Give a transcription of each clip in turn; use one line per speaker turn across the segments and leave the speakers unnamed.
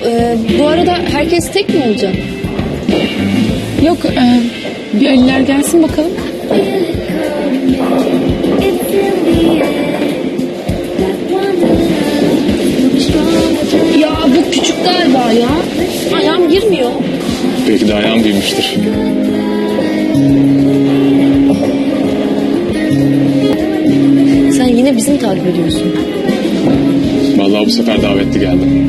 Bu arada herkes tek mi olacak?
Yok, bir Aliler gelsin bakalım.
Ya bu küçük galiba ya. Ayağım girmiyor.
Belki de ayağım büyümüştür.
Sen yine bizi mi takip ediyorsun?
Vallahi bu sefer davetli geldim.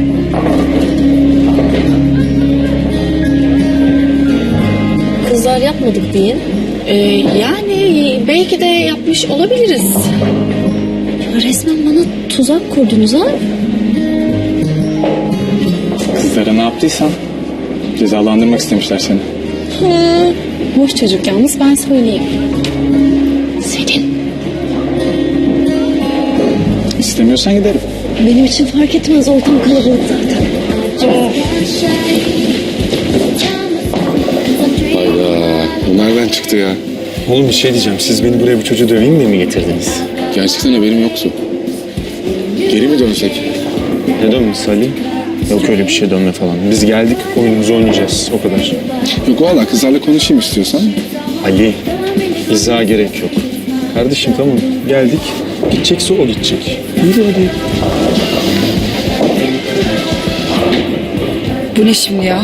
Kızlar yapmadık diye. Yani belki de yapmış olabiliriz. Ya resmen bana tuzak kurdunuz ha?
Kızlara ne yaptıysan cezalandırmak istemişler seni.
Boş çocuk yalnız, ben söyleyeyim.
Senin.
İstemiyorsan giderim.
Benim için fark etmez, ortam kalabalık zaten.
Hayda. Bu nereden çıktı ya?
Oğlum bir şey diyeceğim. Siz beni buraya bu çocuğu döveyim diye mi getirdiniz?
Gerçekten haberim yoktu. Geri mi dönsek?
Ne dönmesi Ali? Yok öyle bir şey, dönme falan. Biz geldik, oyunumuzu oynayacağız. O kadar.
Yok valla kızlarla konuşayım istiyorsan.
Ali, izaha gerek yok. Kardeşim tamam, geldik. Gidecekse o gidecek. Yürü hadi.
Bu ne şimdi ya?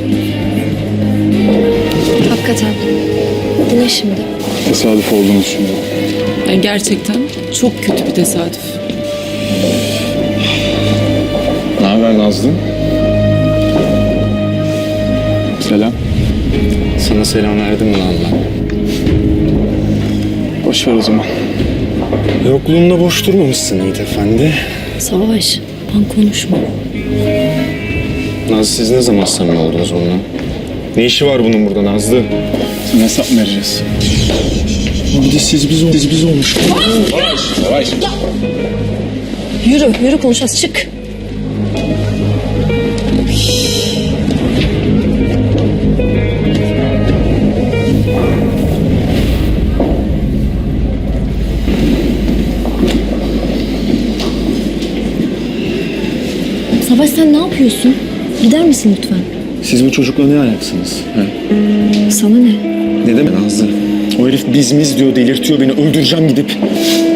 Hakikaten. Bu ne şimdi?
Tesadüf olduğunu düşünüyorum.
Yani gerçekten çok kötü bir tesadüf.
Ne haber Nazlı? Selam.
Sana selam verdim mi lan ben?
Boş ver o zaman.
Yokluğunda boş durmamışsın Yiğit Efendi.
Savaş, ben konuşma.
Nazlı, siz ne zaman samimi oldunuz onunla? Ne işi var bunun burada Nazlı?
Sana hesap mı vereceğiz?
Bir de siz biz olmuş.
Yavaş.
Yürü konuşacağız, çık. Savaş, sen ne yapıyorsun? Gider misin lütfen?
Siz bu çocukla ne ayaksınız? He?
Sana ne?
Ne demek Nazlı? O herif biz diyor, delirtiyor beni, öldüreceğim gidip.